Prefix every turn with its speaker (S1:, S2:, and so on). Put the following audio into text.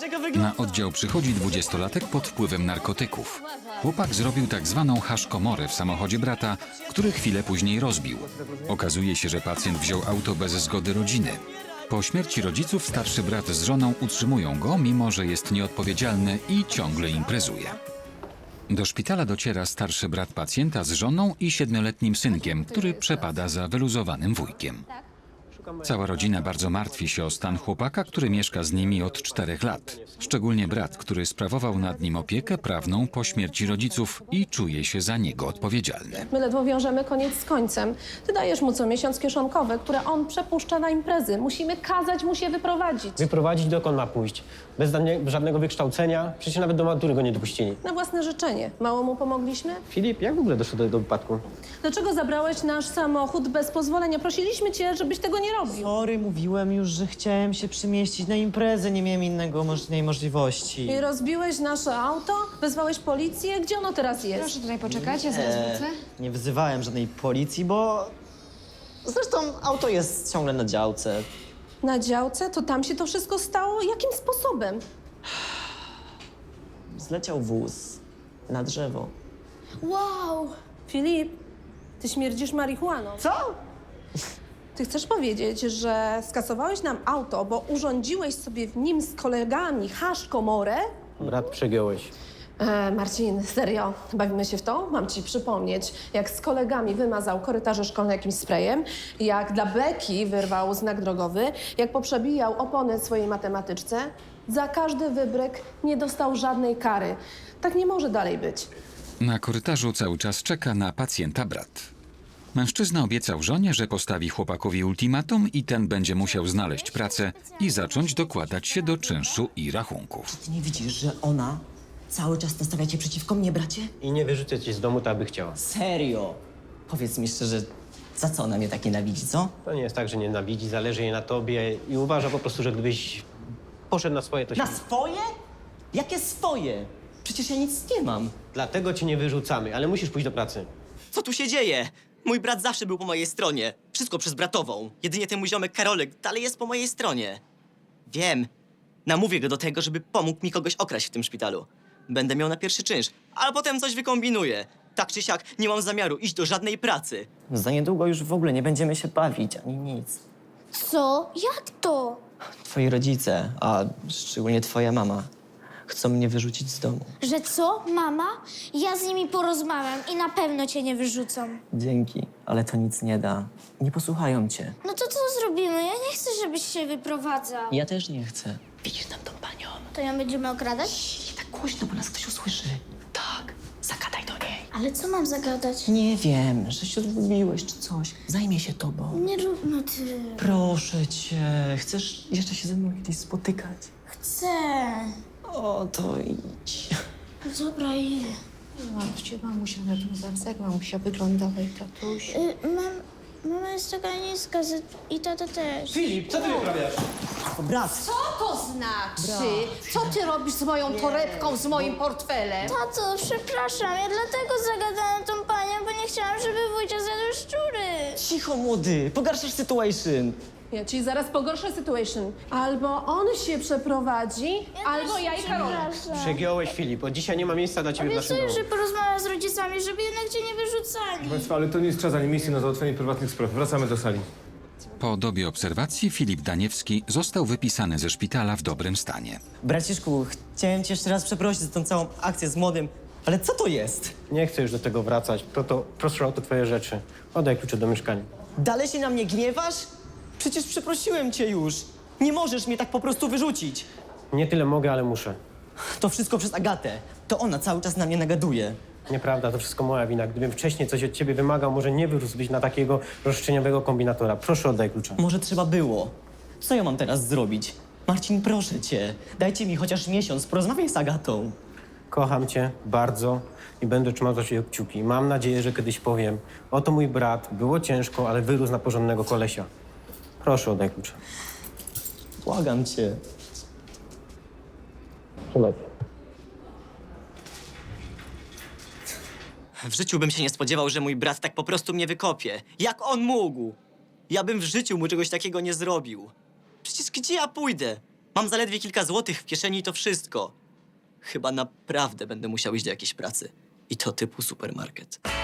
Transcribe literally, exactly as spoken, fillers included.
S1: jak wygląda.
S2: Na oddział przychodzi dwudziestolatek pod wpływem narkotyków. Chłopak zrobił tak zwaną haszkomorę w samochodzie brata, który chwilę później rozbił. Okazuje się, że pacjent wziął auto bez zgody rodziny. Po śmierci rodziców starszy brat z żoną utrzymują go, mimo że jest nieodpowiedzialny i ciągle imprezuje. Do szpitala dociera starszy brat pacjenta z żoną i siedmioletnim synkiem, który przepada za wyluzowanym wujkiem. Cała rodzina bardzo martwi się o stan chłopaka, który mieszka z nimi od czterech lat. Szczególnie brat, który sprawował nad nim opiekę prawną po śmierci rodziców i czuje się za niego odpowiedzialny.
S3: My ledwo wiążemy koniec z końcem. Ty dajesz mu co miesiąc kieszonkowe, które on przepuszcza na imprezy. Musimy kazać mu się wyprowadzić.
S4: Wyprowadzić dokąd ma pójść? Bez żadne- żadnego wykształcenia? Przecież nawet do matury go nie dopuścili.
S3: Na własne życzenie. Mało mu pomogliśmy?
S4: Filip, jak w ogóle doszło do tego wypadku?
S3: Dlaczego zabrałeś nasz samochód bez pozwolenia? Prosiliśmy cię, żebyś tego nie robił.
S1: Sorry, mówiłem już, że chciałem się przemieścić na imprezę, nie miałem innego moż innej możliwości.
S3: I rozbiłeś nasze auto? Wezwałeś policję? Gdzie ono teraz jest?
S5: Proszę tutaj poczekać, ja zaraz wrócę.
S1: Nie wzywałem żadnej policji, bo... Zresztą auto jest ciągle na działce.
S3: Na działce? To tam się to wszystko stało? Jakim sposobem?
S1: Zleciał wóz na drzewo.
S5: Wow!
S3: Filip, ty śmierdzisz marihuaną.
S1: Co?
S3: Ty chcesz powiedzieć, że skasowałeś nam auto, bo urządziłeś sobie w nim z kolegami haszkomorę?
S4: Brat, przegiąłeś.
S3: E, Marcin, serio, bawimy się w to? Mam ci przypomnieć, jak z kolegami wymazał korytarze szkolne jakimś sprayem, jak dla beki wyrwał znak drogowy, jak poprzebijał opony swojej matematyczce. Za każdy wybryk nie dostał żadnej kary. Tak nie może dalej być.
S2: Na korytarzu cały czas czeka na pacjenta brat. Mężczyzna obiecał żonie, że postawi chłopakowi ultimatum i ten będzie musiał znaleźć pracę i zacząć dokładać się do czynszu i rachunków.
S6: Ty nie widzisz, że ona cały czas nastawia cię przeciwko mnie, bracie?
S4: I nie wyrzucę cię z domu, tak by chciała.
S6: Serio? Powiedz mi szczerze, za co ona mnie tak nienawidzi, co?
S4: To nie jest tak, że nienawidzi, zależy jej na tobie i uważa po prostu, że gdybyś poszedł na swoje, to się...
S6: Na swoje? Jakie swoje? Przecież ja nic nie mam.
S4: Dlatego cię nie wyrzucamy, ale musisz pójść do pracy.
S6: Co tu się dzieje? Mój brat zawsze był po mojej stronie. Wszystko przez bratową. Jedynie ten mój ziomek Karolek dalej jest po mojej stronie. Wiem. Namówię go do tego, żeby pomógł mi kogoś okraść w tym szpitalu. Będę miał na pierwszy czynsz, ale potem coś wykombinuję. Tak czy siak, nie mam zamiaru iść do żadnej pracy. Za niedługo już w ogóle nie będziemy się bawić, ani nic.
S5: Co? Jak to?
S6: Twoi rodzice, a szczególnie twoja mama, chcą mnie wyrzucić z domu.
S5: Że co? Mama? Ja z nimi porozmawiam i na pewno cię nie wyrzucą.
S6: Dzięki, ale to nic nie da. Nie posłuchają cię.
S5: No to co zrobimy? Ja nie chcę, żebyś się wyprowadzał.
S6: Ja też nie chcę. Widzisz tam tą panią?
S5: To ją będziemy okradać?
S6: Nie tak głośno, bo nas ktoś usłyszy. Tak, zagadaj do niej.
S5: Ale co mam zagadać?
S6: Nie wiem, że się odlubiłeś czy coś. Zajmie się tobą.
S5: Nie rób, no ty.
S6: Proszę cię, chcesz jeszcze się ze mną kiedyś spotykać?
S5: Chcę.
S6: O, to idź.
S5: No dobra, idę.
S7: Mamusia, mamusia na tym zawsze, jak mamusia wyglądała i tatuś.
S5: Y, mam, mama jest taka niska z- i tata też.
S4: Filip, co ty wyprawiasz?
S6: Brat,
S7: Co to znaczy? Co ty robisz z moją torebką, z moim portfelem?
S5: Tato, przepraszam, ja dlatego zagadałam tą panią, bo nie chciałam, żeby wujcia zjadł szczury.
S6: cicho młody, pogarszasz situation.
S3: Ja ci zaraz pogorszę sytuation. Albo on się przeprowadzi, albo ja i Karola.
S4: Przegiąłeś, Filip. Od dzisiaj nie ma miejsca dla ciebie w naszym
S5: Obiecuję,
S4: domu.
S5: że porozmawiam z rodzicami, żeby jednak cię nie wyrzucali.
S8: Państwa, ale to nie jest czas ani miejsce na załatwienie prywatnych spraw. Wracamy do sali.
S2: Po dobie obserwacji Filip Daniewski został wypisany ze szpitala w dobrym stanie.
S6: Braciszku, chciałem cię jeszcze raz przeprosić za tą całą akcję z młodym, ale co to jest?
S4: Nie chcę już do tego wracać. To, to, proszę o to twoje rzeczy. Oddaj klucze do mieszkania.
S6: Dalej się na mnie gniewasz? Przecież przeprosiłem cię już. Nie możesz mnie tak po prostu wyrzucić.
S4: Nie tyle mogę, ale muszę.
S6: To wszystko przez Agatę. To ona cały czas na mnie nagaduje.
S4: Nieprawda, to wszystko moja wina. Gdybym wcześniej coś od ciebie wymagał, może nie wyrósłbyś na takiego roszczeniowego kombinatora. Proszę, oddaj klucze.
S6: Może trzeba było. Co ja mam teraz zrobić? Marcin, proszę cię. Dajcie mi chociaż miesiąc, porozmawiaj z Agatą.
S4: Kocham cię bardzo i będę trzymał za ciebie kciuki. Mam nadzieję, że kiedyś powiem, oto mój brat, było ciężko, ale wyrósł na porządnego kolesia. Proszę, oddaj klucze.
S6: Błagam cię.
S4: Trzymaj.
S6: W życiu bym się nie spodziewał, że mój brat tak po prostu mnie wykopie. Jak on mógł? Ja bym w życiu mu czegoś takiego nie zrobił. Przecież gdzie ja pójdę? Mam zaledwie kilka złotych w kieszeni i to wszystko. Chyba naprawdę będę musiał iść do jakiejś pracy. I to typu supermarket.